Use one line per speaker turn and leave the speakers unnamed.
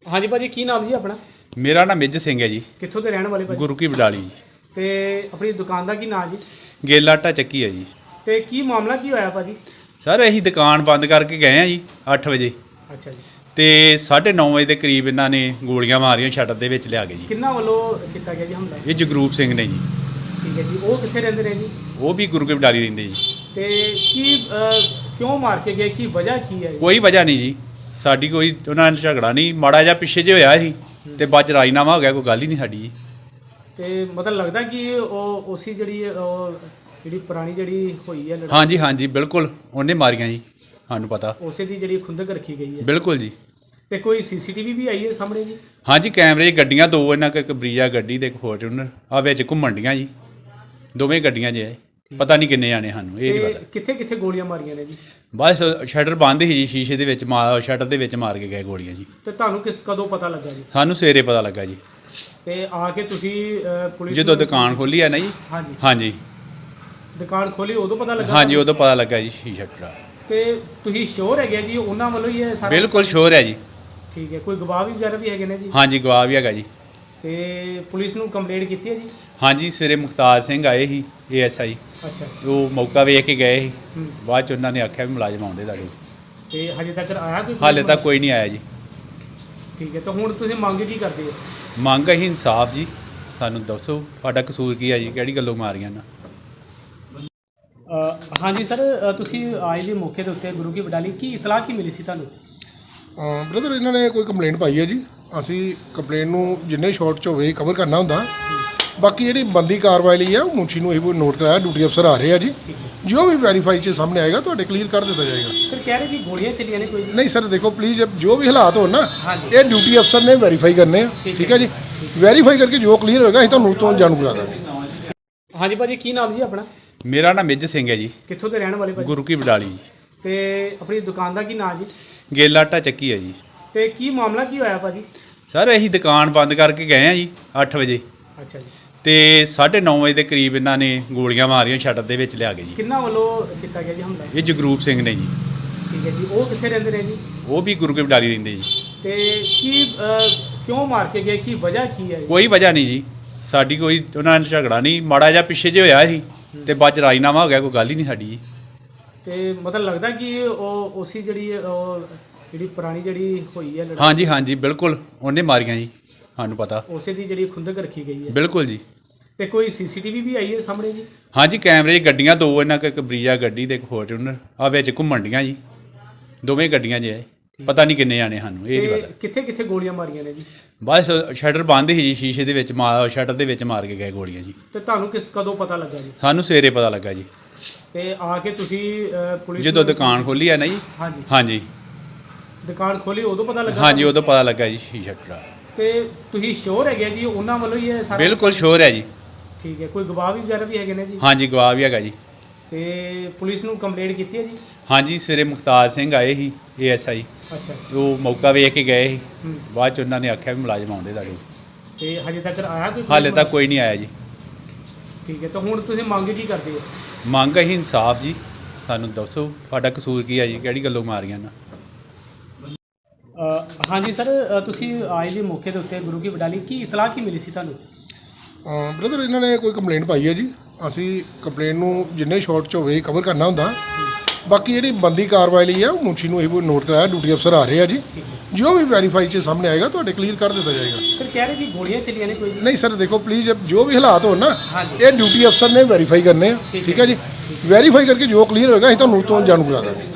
हाँ जी भाजी की नाम जी अपना
मेरा नाम मिੱਝ ਸਿੰਘ है जी।
कित्थों के रहने वाले भाजी
गुरु की बडाली जी।
ते अपनी दुकान का की नाम जी
गेला आटा ਚੱਕੀ है जी।
ते की मामला की होया भाजी।
ਸਰ ਅਸੀਂ ਦੁਕਾਨ ਬੰਦ ਕਰਕੇ ਗਏ ਆ ਜੀ 8 ਵਜੇ
अच्छा जी
ਤੇ 9:30 ਵਜੇ ਦੇ ਕਰੀਬ ਇਹਨਾਂ ਨੇ ਗੋਲੀਆਂ ਮਾਰੀਆਂ ਸ਼ਟਰ ਦੇ ਵਿੱਚ ਲਿਆ ਕੇ ਜੀ।
किन्ना वालों कितना गया जी हमला
ਇਹ ਜਗਰੂਪ ਸਿੰਘ ਨੇ ਜੀ।
ठीक है जी वो कितने रहते हैं जी
ਉਹ ਵੀ ਗੁਰੂ ਕੀ ਬਡਾਲੀ ਰਹਿੰਦੇ ਜੀ।
ते की क्यों मार के गए की वजह की है
ਕੋਈ ਵਜ੍ਹਾ ਨਹੀਂ ਜੀ, ਸਾਡੀ ਕੋਈ ਉਹਨਾਂ ਨਾਲ ਝਗੜਾ ਨਹੀਂ, ਮਾੜਾ ਜਿਹਾ ਪਿੱਛੇ ਜੇ ਹੋਇਆ ਸੀ ਤੇ ਬਾਅਦ ਚ ਰਾਜੀਨਾਮਾ ਹੋ ਗਿਆ, ਕੋਈ ਗੱਲ ਹੀ ਨਹੀਂ ਸਾਡੀ ਜੀ।
ते मतलब लगता कि वो उसी ਜਿਹੜੀ ਪੁਰਾਣੀ ਜਿਹੜੀ ਹੋਈ ਹੈ ਲੜਾਈ
ਹਾਂਜੀ ਹਾਂਜੀ ਬਿਲਕੁਲ ਉਹਨੇ ਮਾਰੀਆਂ ਜੀ, ਸਾਨੂੰ ਪਤਾ।
ਉਸੇ ਦੀ ਜਿਹੜੀ ਖੁੰਦਕ ਰੱਖੀ ਗਈ ਹੈ
ਬਿਲਕੁਲ ਜੀ।
ਤੇ ਕੋਈ ਸੀਸੀਟੀਵੀ ਵੀ ਆਈ ਹੈ ਸਾਹਮਣੇ ਜੀ।
ਹਾਂਜੀ ਕੈਮਰੇ 'ਚ ਗੱਡੀਆਂ ਦੋ ਇਹਨਾਂ ਕੋਲ, ਇੱਕ ਬਰੀਜਾ ਗੱਡੀ ਤੇ ਇੱਕ ਫੋਰਚੂਨਰ ਆ ਵਿੱਚ ਘੁੰਮਣ ਡੀਆਂ ਜੀ, ਦੋਵੇਂ ਗੱਡੀਆਂ 'ਚ ਹੈ। ਪਤਾ ਨਹੀਂ ਕਿੰਨੇ ਜਾਣੇ, ਸਾਨੂੰ ਇਹ ਨਹੀਂ
ਤੇ
ਪਤਾ।
ਕਿੱਥੇ ਕਿੱਥੇ ਗੋਲੀਆਂ ਮਾਰੀਆਂ ਨੇ ਜੀ।
ਬਸ ਸ਼ਟਰ ਬੰਦ ਸੀ ਜੀ, ਸ਼ੀਸ਼ੇ ਦੇ ਵਿੱਚ ਸ਼ਟਰ ਦੇ ਵਿੱਚ ਮਾਰ ਕੇ ਗਏ ਗੋਲੀਆਂ ਜੀ।
ਤੇ ਤੁਹਾਨੂੰ ਕਦੋਂ ਪਤਾ ਲੱਗਾ ਜੀ।
ਸਾਨੂੰ ਸਵੇਰੇ ਪਤਾ ਲੱਗਾ ਜੀ,
ਤੇ ਆ ਕੇ ਤੁਸੀਂ ਪੁਲਿਸ
ਜਦੋਂ
ਨੂੰ-
ਦੁਕਾਨ ਖੋਲੀ ਹੈ ਨਾ ਜੀ।
ਹਾਂਜੀ
ਹਾਂਜੀ
ਦੁਕਾਨ ਖੋਲੀ ਉਦੋਂ ਪਤਾ ਲੱਗਾ
ਹਾਂਜੀ ਉਦੋਂ ਪਤਾ ਲੱਗਾ ਜੀ ਸ਼ਟਰ।
ਤੇ ਤੁਸੀਂ ਸ਼ੋਰ ਹੈਗੇ ਜੀ ਉਹਨਾਂ ਵੱਲੋਂ ਹੀ ਇਹ ਸਾਰਾ
ਬਿਲਕੁਲ ਸ਼ੋਰ ਹੈ ਜੀ।
ਠੀਕ ਹੈ ਕੋਈ ਗਵਾਹ ਵੀ ਵਗੈਰਾ ਵੀ ਹੈਗੇ ਨੇ ਜੀ।
ਹਾਂਜੀ ਗਵਾਹ ਵੀ ਹੈਗਾ ਜੀ।
ਤੇ ਪੁਲਿਸ ਨੂੰ ਕੰਪਲੇਂਟ ਕੀਤੀ ਹੈ ਜੀ।
ਹਾਂਜੀ ਸਵੇਰੇ ਮੁਖਤਾਰ ਸਿੰਘ ਆਏ ਸੀ ASI,
ਅੱਛਾ
ਉਹ ਮੌਕਾ ਵੇਖ ਕੇ ਗਏ ਸੀ।
ਹੂੰ।
ਬਾਅਦ ਚ ਉਹਨਾਂ ਨੇ ਆਖਿਆ ਵੀ ਮੁਲਾਜ਼ਮ ਆਉਂਦੇ ਤੁਹਾਡੇ।
ਤੇ ਹਜੇ ਤੱਕ ਆਇਆ ਕੋਈ
ਹਾਲੇ ਤੱਕ ਕੋਈ ਨਹੀਂ ਆਇਆ ਜੀ।
ਠੀਕ ਹੈ ਤਾਂ ਹੁਣ ਤੁਸੀਂ ਮੰਗ ਕੀ ਕਰਦੇ ਹੋ।
ਮੰਗ ਅਸੀਂ ਇਨਸਾਫ ਜੀ, ਸਾਨੂੰ ਦੱਸੋ ਤੁਹਾਡਾ ਕਸੂਰ ਕੀ ਹੈ ਜੀ, ਕਿਹੜੀ ਗੱਲੋਂ ਮਾਰੀਆਂ ਨਾ।
ਹਾਂਜੀ ਸਰ ਤੁਸੀਂ ਆਏ ਜੀ ਮੌਕੇ ਦੇ ਉੱਤੇ ਗੁਰੂ ਕੀ ਬਡਾਲੀ, ਕੀ ਇਤਲਾਹ ਕੀ ਮਿਲੀ ਸੀ ਤੁਹਾਨੂੰ।
ਬ੍ਰਦਰ ਇਹਨਾਂ ਨੇ ਕੋਈ ਕੰਪਲੇਂਟ ਪਾਈ ਹੈ ਜੀ। ਅਸੀਂ ਕੰਪਲੇਂਟ ਨੂੰ ਜਿੰਨੇ ਸ਼ਾਰਟ 'ਚ ਹੋਵੇ ਕਵਰ ਕਰਨਾ ਹੁੰਦਾ। ਬਾਕੀ ਜਿਹੜੀ ਬੰਦੀ ਕਾਰਵਾਈ ਲਈ ਆ ਉਹ ਮੁਨਸ਼ੀ ਨੂੰ ਇਹ ਨੋਟ ਕਰਾਇਆ, ਡਿਊਟੀ ਅਫਸਰ ਆ ਰਹੇ ਆ ਜੀ। ਜੋ ਵੀ ਵੈਰੀਫਾਈ 'ਚ ਸਾਹਮਣੇ ਆਏਗਾ ਤੁਹਾਡੇ ਕਲੀਅਰ ਕਰ ਦਿੱਤਾ ਜਾਏਗਾ।
ਸਰ ਕਹਿ ਰਹੇ ਕਿ ਗੋਲੀਆਂ ਚੱਲੀਆਂ ਨੇ ਕੋਈ ਜੀ।
ਨਹੀਂ ਸਰ ਦੇਖੋ ਪਲੀਜ਼, ਜੋ ਵੀ ਹਾਲਾਤ ਹੋਣ ਨਾ
ਹਾਂਜੀ।
ਇਹ ਡਿਊਟੀ ਅਫਸਰ ਨੇ ਵੈਰੀਫਾਈ ਕਰਨੇ ਆ। ਠੀਕ ਹੈ ਜੀ, ਵੈਰੀਫਾਈ ਕਰਕੇ ਜੋ ਕਲੀਅਰ ਹੋਏਗਾ ਅਸੀਂ ਤੁਹਾਨੂੰ ਤੋਂ ਜਾਣੂ ਕਰਾ ਦਾਂਗੇ।
ਹਾਂਜੀ ਭਾਜੀ ਕੀ ਨਾਮ ਜੀ ਆਪਣਾ।
ਮੇਰਾ ਨਾਮ ਮਿੱਝ ਸਿੰਘ ਹੈ ਜੀ।
ਕਿੱਥੋਂ ਦੇ ਰਹਿਣ ਵਾਲੇ ਭਾਜੀ।
ਗੁਰੂ ਕੀ ਬਡਾਲੀ ਜੀ।
ਤੇ ਆਪਣੀ ਦੁਕਾਨ ਦਾ ਕੀ ਨਾਮ ਜੀ।
ਗੇਲਾ ਆਟਾ ਚੱਕੀ ਹੈ ਜੀ।
ਤੇ ਕੀ ਮਾਮਲਾ ਕੀ ਹੋਇਆ ਭਾਜੀ।
ਸਰ ਅਸੀਂ ਦੁਕਾਨ ਬੰਦ ਕਰਕੇ ਗਏ ਆ ਜੀ 8 ਵਜੇ
ਅੱਛਾ ਜੀ
ਤੇ 9:30 ਵਜੇ ਦੇ ਕਰੀਬ ਇਹਨਾਂ ਨੇ ਗੋਲੀਆਂ ਮਾਰੀਆਂ ਸ਼ਟਰ ਦੇ ਵਿੱਚ ਲਿਆ ਕੇ ਜੀ।
ਕਿੰਨਾ ਵੱਲੋਂ ਕੀਤਾ ਗਿਆ ਜੀ ਹਮਲਾ।
ਇਹ ਜਗਰੂਪ ਸਿੰਘ ਨੇ ਜੀ।
ਠੀਕ ਹੈ ਜੀ ਉਹ ਕਿੱਥੇ ਰਹਿੰਦੇ ਨੇ ਜੀ।
ਉਹ ਵੀ ਗੁਰੂ ਕੀ ਬਡਾਲੀ ਰਹਿੰਦੇ ਜੀ।
ਤੇ ਕੀ ਕਿਉਂ ਮਾਰ ਕੇ ਗਏ ਕੀ ਵਜ੍ਹਾ ਕੀ ਹੈ।
ਕੋਈ ਵਜ੍ਹਾ ਨਹੀਂ ਜੀ, ਸਾਡੀ ਕੋਈ ਉਹਨਾਂ ਨਾਲ ਝਗੜਾ ਨਹੀਂ, ਮਾੜਾ ਜਿਹਾ ਪਿੱਛੇ ਜੇ ਹੋਇਆ ਸੀ ਤੇ ਬਾਅਦ ਚ ਰਾਜੀਨਾਮਾ ਹੋ ਗਿਆ, ਕੋਈ ਗੱਲ ਹੀ ਨਹੀਂ ਸਾਡੀ ਜੀ।
ਤੇ ਮਤਲਬ ਲੱਗਦਾ ਕਿ ਉਹ ਉਸੀ ਜਿਹੜੀ ਪੁਰਾਣੀ ਜਿਹੜੀ ਹੋਈ ਹੈ ਲੜਾਈ
ਹਾਂਜੀ ਹਾਂਜੀ ਬਿਲਕੁਲ ਉਹਨੇ ਮਾਰੀਆਂ ਜੀ, ਸਾਨੂੰ ਪਤਾ।
ਉਸੇ ਦੀ ਜਿਹੜੀ ਖੁੰਦਕ ਰੱਖੀ ਗਈ ਹੈ।
ਬਿਲਕੁਲ ਜੀ।
ਤੇ ਕੋਈ ਸੀਸੀਟੀਵੀ ਵੀ ਆਈ ਹੈ ਸਾਹਮਣੇ ਜੀ।
ਹਾਂਜੀ ਕੈਮਰੇ 'ਚ ਗੱਡੀਆਂ ਦੋ ਇਹਨਾਂ ਕੋਲ, ਇੱਕ ਬਰੀਜਾ ਗੱਡੀ ਤੇ ਇੱਕ ਫੋਰਚੂਨਰ ਆ ਵਿੱਚ ਘੁੰਮਣ ਡੀਆਂ ਜੀ, ਦੋਵੇਂ ਗੱਡੀਆਂ 'ਚ ਹੈ। ਪਤਾ ਨਹੀਂ ਕਿੰਨੇ ਜਾਣੇ, ਸਾਨੂੰ ਇਹ ਨਹੀਂ
ਤੇ
ਪਤਾ।
ਕਿੱਥੇ ਕਿੱਥੇ ਗੋਲੀਆਂ ਮਾਰੀਆਂ ਨੇ ਜੀ।
ਬਸ ਸ਼ਟਰ ਬੰਦ ਸੀ ਜੀ, ਸ਼ੀਸ਼ੇ ਦੇ ਵਿੱਚ ਸ਼ਟਰ ਦੇ ਵਿੱਚ ਮਾਰ ਕੇ ਗਏ ਗੋਲੀਆਂ ਜੀ।
ਤੇ ਤੁਹਾਨੂੰ ਕਦੋਂ ਪਤਾ ਲੱਗਾ ਜੀ।
ਸਾਨੂੰ ਸਵੇਰੇ ਪਤਾ ਲੱਗਾ ਜੀ,
ਤੇ ਆ ਕੇ ਤੁਸੀਂ ਪੁਲਿਸ
ਜਦੋਂ
ਨੂੰ-
ਦੁਕਾਨ ਖੋਲੀ ਹੈ ਨਾ ਜੀ।
ਹਾਂਜੀ
ਹਾਂਜੀ
ਦੁਕਾਨ ਖੋਲੀ ਉਦੋਂ ਪਤਾ ਲੱਗਾ।
ਹਾਂਜੀ ਉਦੋਂ ਪਤਾ ਲੱਗਾ ਜੀ ਸ਼ਟਰ।
ਤੇ ਤੁਸੀਂ ਸ਼ੋਰ ਹੈਗੇ ਜੀ ਉਹਨਾਂ ਵੱਲੋਂ ਹੀ ਇਹ ਸਾਰਾ
ਬਿਲਕੁਲ ਸ਼ੋਰ ਹੈ ਜੀ।
ਠੀਕ ਹੈ ਕੋਈ ਗਵਾਹ ਵੀ ਵਗੈਰਾ ਵੀ ਹੈਗੇ ਨੇ ਜੀ।
ਹਾਂਜੀ ਗਵਾਹ ਵੀ ਹੈਗਾ ਜੀ।
ਤੇ ਪੁਲਿਸ ਨੂੰ ਕੰਪਲੇਂਟ ਕੀਤੀ ਹੈ ਜੀ।
ਹਾਂਜੀ ਸਵੇਰੇ ਮੁਖਤਾਰ ਸਿੰਘ ਆਏ ਸੀ ASI,
ਅੱਛਾ
ਉਹ ਮੌਕਾ ਵੇਖ ਕੇ ਗਏ ਸੀ।
ਹੂੰ।
ਬਾਅਦ ਚ ਉਹਨਾਂ ਨੇ ਆਖਿਆ ਵੀ ਮੁਲਾਜ਼ਮ ਆਉਂਦੇ ਤੁਹਾਡੇ।
ਤੇ ਹਜੇ ਤੱਕ ਆਇਆ ਕੋਈ
ਹਾਲੇ ਤੱਕ ਕੋਈ ਨਹੀਂ ਆਇਆ ਜੀ।
ਠੀਕ ਹੈ ਤਾਂ ਹੁਣ ਤੁਸੀਂ ਮੰਗ ਕੀ ਕਰਦੇ ਹੋ।
ਮੰਗ ਅਸੀਂ ਇਨਸਾਫ ਜੀ, ਸਾਨੂੰ ਦੱਸੋ ਤੁਹਾਡਾ ਕਸੂਰ ਕੀ ਹੈ ਜੀ, ਕਿਹੜੀ ਗੱਲੋਂ ਮਾਰੀਆਂ ਨਾ।
ਹਾਂਜੀ ਸਰ ਤੁਸੀਂ ਆਏ ਜੀ ਮੌਕੇ ਦੇ ਉੱਤੇ ਗੁਰੂ ਕੀ ਬਡਾਲੀ, ਕੀ ਇਤਲਾਹ ਕੀ ਮਿਲੀ ਸੀ ਤੁਹਾਨੂੰ।
ਬ੍ਰਦਰ ਇਹਨਾਂ ਨੇ ਕੋਈ ਕੰਪਲੇਂਟ ਪਾਈ ਹੈ ਜੀ। ਅਸੀਂ ਕੰਪਲੇਂਟ ਨੂੰ ਜਿੰਨੇ ਸ਼ਾਰਟ 'ਚ ਹੋਵੇ ਕਵਰ ਕਰਨਾ ਹੁੰਦਾ। ਬਾਕੀ ਜਿਹੜੀ ਬੰਦੀ ਕਾਰਵਾਈ ਲਈ ਆ ਉਹ ਮੁਨਸ਼ੀ ਨੂੰ ਇਹ ਨੋਟ ਕਰਾਇਆ, ਡਿਊਟੀ ਅਫਸਰ ਆ ਰਹੇ ਆ ਜੀ। ਜੋ ਵੀ ਵੈਰੀਫਾਈ 'ਚ ਸਾਹਮਣੇ ਆਏਗਾ ਤੁਹਾਡੇ ਕਲੀਅਰ ਕਰ ਦਿੱਤਾ ਜਾਏਗਾ।
ਸਰ ਕਹਿ ਰਹੇ ਕਿ ਗੋਲੀਆਂ ਚੱਲੀਆਂ ਨੇ ਕੋਈ ਜੀ।
ਨਹੀਂ ਸਰ ਦੇਖੋ ਪਲੀਜ਼, ਜੋ ਵੀ ਹਾਲਾਤ ਹੋਣ ਨਾ
ਹਾਂਜੀ।
ਇਹ ਡਿਊਟੀ ਅਫਸਰ ਨੇ ਵੈਰੀਫਾਈ ਕਰਨੇ ਆ। ਠੀਕ ਹੈ ਜੀ, ਵੈਰੀਫਾਈ ਕਰਕੇ ਜੋ ਕਲੀਅਰ ਹੋਏਗਾ ਅਸੀਂ ਤੁਹਾਨੂੰ ਤੋਂ ਜਾਣੂ ਕਰਾ ਦਾਂਗੇ।